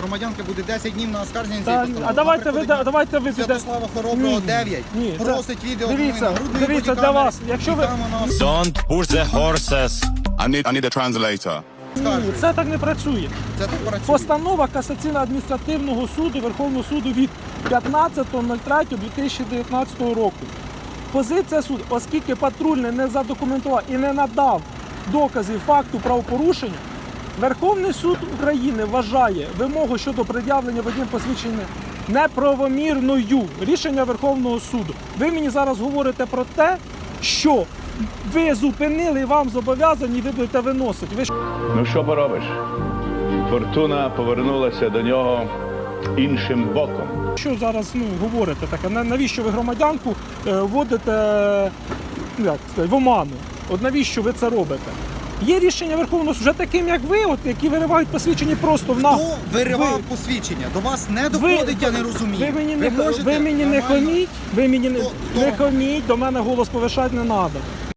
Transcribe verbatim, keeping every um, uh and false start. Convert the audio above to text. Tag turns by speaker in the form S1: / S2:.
S1: громадянки буде десять днів на оскарження
S2: Та,
S1: цієї постанови.
S2: а давайте ви,
S1: Вона
S2: давайте ви
S1: приходить
S2: піде-
S1: Святослава Хороброго,
S2: Ні,
S1: дев'ять.
S2: ні, це-
S1: Просить відео
S2: дивіться,
S1: з нагрудної
S2: дивіться, для
S1: бодікамери.
S2: вас, якщо ви-
S1: Чекаємо на
S3: Don't push the horses.
S4: I need, I need a translator.
S2: Ні,
S1: оскарження.
S2: це так не працює.
S1: Це так працює.
S2: Постанова Касаційно-адміністративного суду Верховного суду від п'ятнадцятого лютого дві тисячі дев'ятнадцятого року. Позиція суду, оскільки патрульний не задокументував і не надав доказів факту правопорушення, Верховний суд України вважає вимогу щодо пред'явлення водієм посвідчення неправомірною. Рішення Верховного суду. Ви мені зараз говорите про те, що ви зупинили і вам зобов'язані, і ви будете виносити. Ви ж
S5: Ну що поробиш? Фортуна повернулася до нього іншим боком.
S2: що зараз ну, говорите таке? На- Навіщо ви громадянку е, вводите ну, як сказати, в оману? От навіщо ви це робите? Є рішення Верховного суду, вже таким, як ви, от, які виривають посвідчені просто в на...
S1: Хто виривав
S2: Ви-
S1: посвідчення? До вас не доходить, я не розумію.
S2: Ви мені не,
S1: можете
S2: ви мені не
S1: нормально-
S2: хаміть, ви мені не,
S1: Хто-
S2: не
S1: хто?
S2: хаміть, до мене голос повишати не треба.